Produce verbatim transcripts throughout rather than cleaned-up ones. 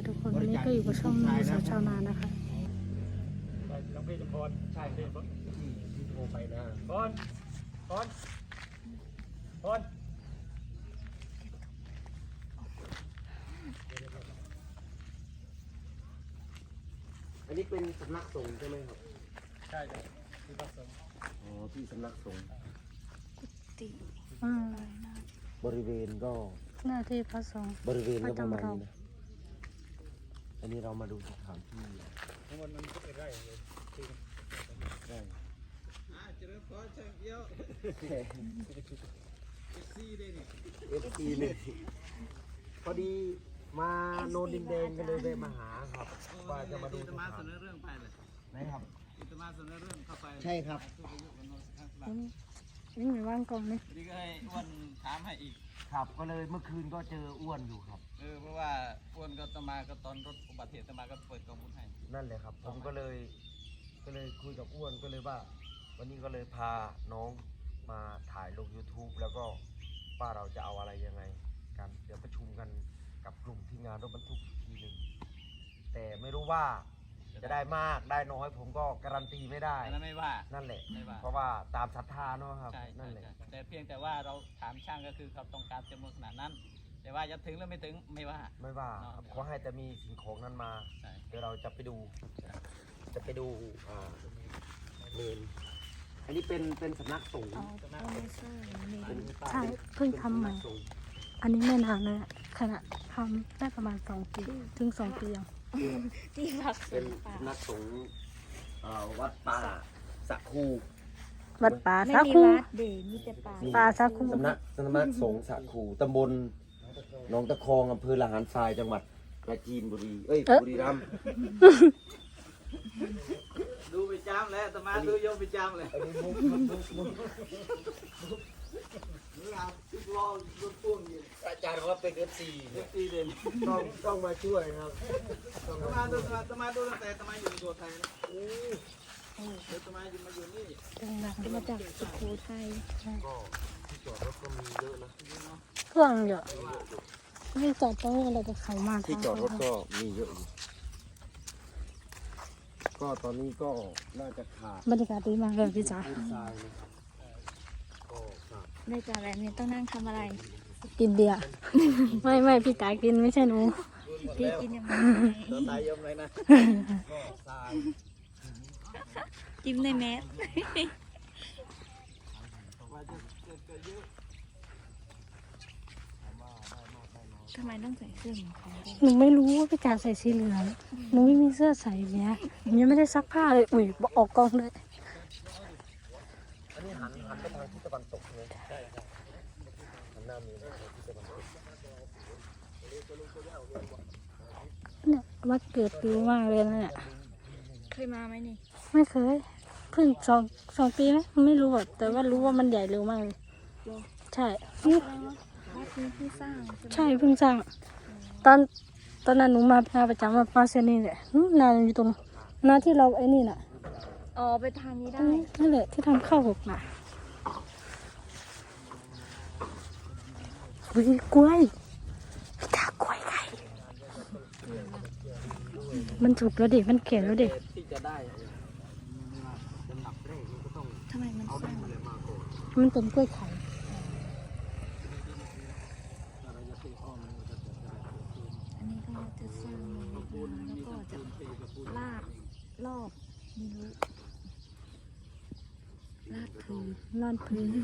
ทุกคนวันนี้ก็อยู่กับช่องนายสาวชาวนานะคะน้องพี่จำพรใช่พี่ที่โทรไปนะพรพรพรอันนี้เป็นสำนักสงฆ์ใช่ไหมครับใช่ครับที่พระสงฆ์อ๋อที่สำนักสงฆ์ติอืมบริเวณก็หน้าที่พระสงฆ์บริเวณก็ประมาณนี้นะอันนี้เรามาดูสถานที่ทั้งหมดมันก็เป็นไร่เลยที่ได้จะเริ่มก้อนเชิงเยอะซีได้นี่เอฟซีเลยพอดีมาโนนดินแดงกันเลยไปมาหาครับว่าจะมาดูสมาถานเสนอเรื่องไปเลยนะครับจะมาเสนอเรื่องเข้าไปใช่ครับนี่ไม่ว่างกองนี่นี่ก็ให้อ้วนถามให้อีกครับก็เลยเมื่อคืนก็เจออ้วนอยู่ครับเออเพราะว่าอ้วนก็ตมาก็ตอนรถอุบัติเหตุตมาก็เปิดกองบุญให้นั่นแหละครับ ผมก็เลยก็เลยคุยกับอ้วนก็เลยว่า วันนี้ก็เลยพาน้องมาถ่ายลง ยูทูบ แล้วก็ว่าเราจะเอาอะไรยังไงกันเดี๋ยวประชุมกันกับกลุ่มที่งานรถบรรทุกอีกทีหนึ่งแต่ไม่รู้ว่าจะได้มากได้น้อยผมก็การันตีไม่ได้อันนั้นไม่ว่านั่นแหละไม่ว่าเพราะว่าตามศรัทธาเนาะครับใช่นั่นแหละแต่เพียงแต่ว่าเราถามช่างก็คือเขาต้องการจำนวนขนาดนั้น แต่ว่าจะถึงหรือไม่ถึงไม่ว่าไม่ว่าครับขอให้แต่มีสิ่งของนั้นมาใช่เดี๋ยวเราจะไปดู จะไปดูอ่าเมนอันนี้เป็นเป็นสำนักสงฆ์เอาเอาไม่ใช่นี่เป็นใช่เพิ่งทำใหม่เป็นสำนักสงฆ์อันนี้ไม่นานนะขณะทำได้ประมาณสองปีถึงสองปียังที่พักสเป็นงฆ์ป่าสำนักสงฆ์เอ่อวัดป่าสะคูวัดป่าไม่สามีคูวัดเดมีแต่ป่าป่าสาคูสำนักสำนักสงฆ์สะคูตำบลหนองตะคองอำเภอละหารทรายจังหวัดปราจีนบุรีเอ้ยบุรีรัมย์ดูไปจามแล้วตมาดูโยมไปจามเลยอันนี้มุกมุกมุกมุกนี่เอาทุกรอบรถพ่วงอยู่อาจารย์เขาว่าเป็นเอฟซีเอฟซีเด่นต้องต้องมาช่วยครับต้องตมามาดูช่วยตมาดูตั้งแต่ตมาอยู่ในตัวไทยนะเดี๋ยวตมาอยู่มาอยู่นี่ดังมาจากสุโขทัยก็ที่จอดรถก็มีเยอะนะๆเครื่องเยอะไม่จอดตรงนี้เราจะเข้ามาที่จอดรถก็มีเยอะอยู่ก็ตอนนี้ก็น่าจะขาดบรรยากาศดีมากเลยพี่จ๋าพื้นทรายนะครับก็ขาดได้จากแบบนี้ต้องนั่งทำอะไรกินเบียร์ ไม่ไม่พี่จ๋ากินไม่ใช่หนูพี่กินยังไงตัวตายยมเลยนะก็ทรายจิ้มในแมสว่าจะเกิดเยอะทำไมต้องใส่เสื้อเหมือนเขาด้วยหนูไม่รู้ว่าพี่จ๋าใส่สีเหลืองหนูไม่มีเสื้อใส่เนี้ยหนูยังไม่ได้ซักผ้าเลยอุ้ยออกกองเลยอันนี้หันหันไปทางทิศตะวันตกใช่ไหมใช่ครับหันหน้ามีนะทางทิศตะวันตกเนี่ยวัดเกิดดูมากเลยนะเนี่ยเคยมาไหมนี่ไม่เคยเพิ่งสองสองปีไหมไม่รู้อะแต่ว่ารู้ว่ามันใหญ่เร็วมากเลยใช่นี่แสดงว่าวัดนี้เพิ่งสร้างใช่ไหมใช่เพิ่งสร้างตอนตอนนั้นหนูมามาประจำมามาเซนนี่แหละอืมนานอยู่ตรงนาที่เราไอ้นี่น่ะอ๋อไปทางนี้ได้นั่นแหละที่ทำข้าวหกน่ะวิกล้วยพี่ตากล้วยไข่มันถูกแล้วดิมันเก่งแล้วดิที่จะได้ลำดับแรกมันก็ต้องทำไมมันเอาสดิร้างนอะไรมาก่อนมันเป็นกล้วยไข่อันนี้ก็จะสร้างเลยแล้วก็จะลาดรอบไม่รู้ลาดพื้นนอนพื้น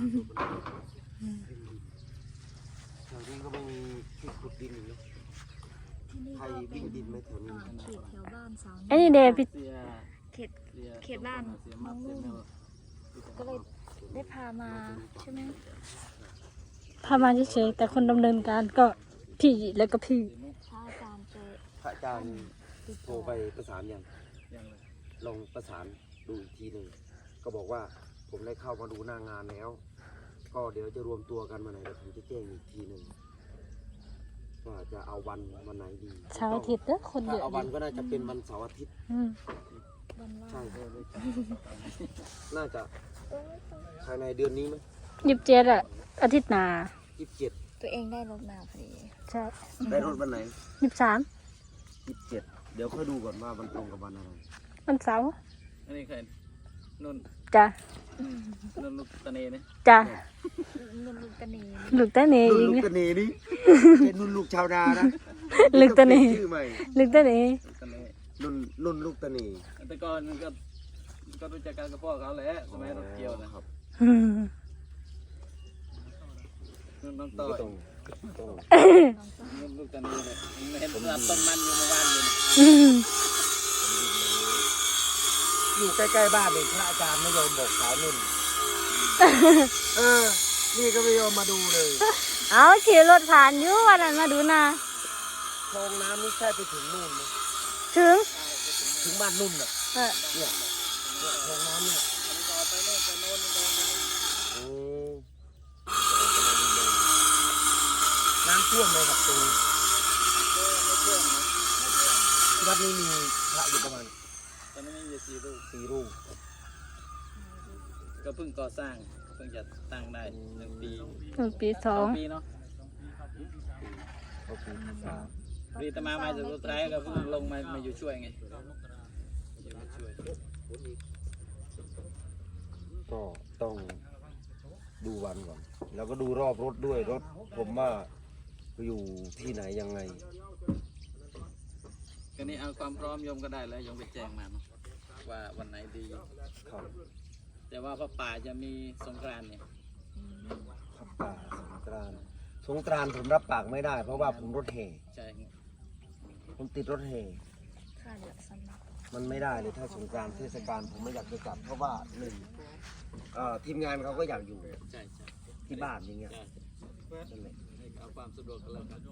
แถวนี้ก็ไม่มีที่ขุดดินอยู่นะที่นี่ใครก็เป็วิ่นงดินไหมแถวนี้อ่าเขตแถวบ้านสาวไอ้นี่เดพี่เสียเขตเสียเขตบ้านน้องนุ่นก็เลยได้พามาใช่ไหมพามาเฉยๆแต่คนดำเนินการก็พี่แล้วก็พี่พระอาจารย์ไปพระอาจารย์ติดโทรต่อไปประสานยังยังเลยลองประสานดูอีกทีหนึ่งก็บอกว่าผมได้เข้ามาดูหน้างานแล้ว ก็เดี๋ยวจะรวมตัวกันมาไหนเดี๋ยวผมจะแจ้งอีกทีหนึ่งว่าจะเอาวันวันไหนดีเสาร์อาทิตย์เด้อคนเยถ้าอะเอาดิวันก็น่าจะเป็นวันเสาร์อาทิตย์อืมวันว่าใช่ใช่น่าจะภายในเดือนนี้ไหมยี่สิบเจ็ดอะอาทิตย์หน้ายี่สิบเจ็ดตัวเองได้รถมาพอดีใช่ได้รถวันไหนยี่สิบสามยี่สิบเจ็ดเดี๋ยวค่อยดูก่อนว่ามันตรงกับวันอะไรวันเสาร์อันนี้ใครนุ่นจ้ะนุ่นลูกตะเนนี่จ้ะเงินลูกกระเนลูกตาเนนุ่เอน งลูกนะตะเนนี่เป็นนุ่นลูกชาวนานะลูกตะเนชื่อใหม่ลูกตาเนตะเนนุ่นนุ่นลูกตะเนแต่ก่อนมันก็ก็รู้จักกันกับพ่อเขาแหละสมัยรถเกี่ยวนะครับอืมนุ่นน้องต้ต่ออง ยต้องต้องนุ่นลูกตะเนเนี่ยเห็นรับต้นมันอยู่เมื่อวานเลยอืมอยู่ใกล้ๆบ้านเองพระอาจารย์ไม่ยอมบอกสาวนุ่นเออนี่ก็ไม่ยอมมาดูเลยเอาขี่รถผ่านอยู่วันนั้นมาดูนาคลองน้ำนี่ใช่ไปถึงนู่นไหมถึงถึงบ้านนุ่นอ่ะเออเนี่ยเนี่ยคลองน้ำเนี่ยต่อไปโน่นไปโน่นไปโน่นโอ้น้ำท่วมเลยครับตรงนี้ไม่เชื่อมนะวัดนี้มีพระอยู่ประมาณตอนนี้มีอยู่สี่ลูกสี่รูปก็เพิ่งก่อสร้างเพิ่งจะตั้งได้หนึ่งปีหนึ่งปีสสออง งปีเนาะก็คือภาษาปรีตมามาจากสุดท้ายก็เพิ่งลงมามาอยู่ช่วยไงอยู่มาช่วยก็ต้องดูวันก่อน แล้วก็ดูรอบรถด้วยรถผมว่าอยู่ที่ไหนยังไงก็นี่เอาความพร้อมโยมก็ได้แล้วโยมไปแจ้งมาเนาะว่าวันไหนดีครับแต่ว่าพระป่าจะมีสงกรานต์เนี่ยครับป่าสงกรานต์สงกรานต์ผมรับปากไม่ได้ เพราะว่าผมรถแห่ใช่ผมติดรถแห่ค่าเดือดสำนักมันไม่ได้เลยถ้าสงกรานต์เทศกาลผมไม่อยากจะจัดเพราะว่าหนึ่งเอ่อทีมงานเขาก็อยากอยู่ใช่ใช่ที่บ้านอย่างเงี้ยใช่นั่นแหละให้เอาความสะดวกกันแล้วกัน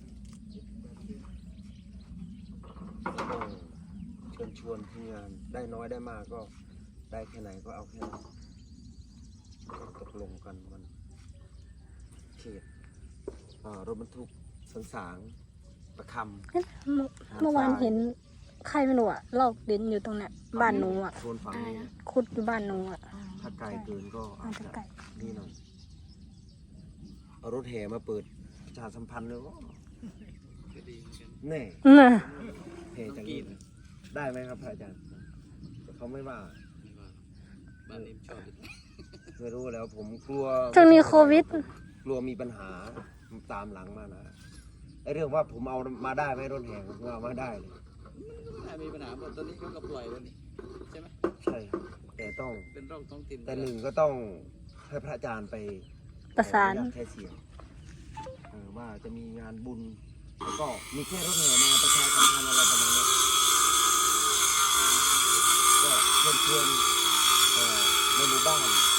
ก็ต้องเชิญชวนทีมงานได้น้อยได้มากก็ได้แค่ไหนก็เอาแค่นั้นก็ตกลงกันมันเขตอ่ารถบรรทุกสันสางประคำเมื่อเมื่อวานเห็นใครไม่รู้อะลอกดินอยู่ตรงเนี้ยบ้านหนูอะโซนฝั่งนี้ขุดอยู่บ้านหนูอะถ้าไกลเกินก็อาอาจจจะจะไกลนี่หน่อยเอารถแห่มาเปิดประชาสัมพันธ์เลยว่าก็ดีเหมือนกันแน่น่ะแห่จากนี้ได้ไหมครับพระอาจารย์เขาไม่ว่าไม่ว่าบ้านนี้ชอบไม่รู้แล้วผมกลัวช่วงนี้โควิดกลัวมีปัญหาตามหลังมานะไอเรื่องว่าผมเอามาได้ไหมรถแห่ผมเอามาได้เลยถ้ามีปัญหาหมดตอนนี้เขาก็ปล่อยแล้วนี่ใช่ไหมใช่ครับแต่ต้องเป็นโรคท้องถิ่นแต่หนึ่งก็ต้องให้พระอาจารย์ไปประสานขออญตแค่เสียงเออว่าจะมีงานบุญแล้วก็มีแค่รถแห่มาประชาสัมพันธ์อะไรประมาณนี้ก็เชิญชวนเอ่อในหมู่บ้าน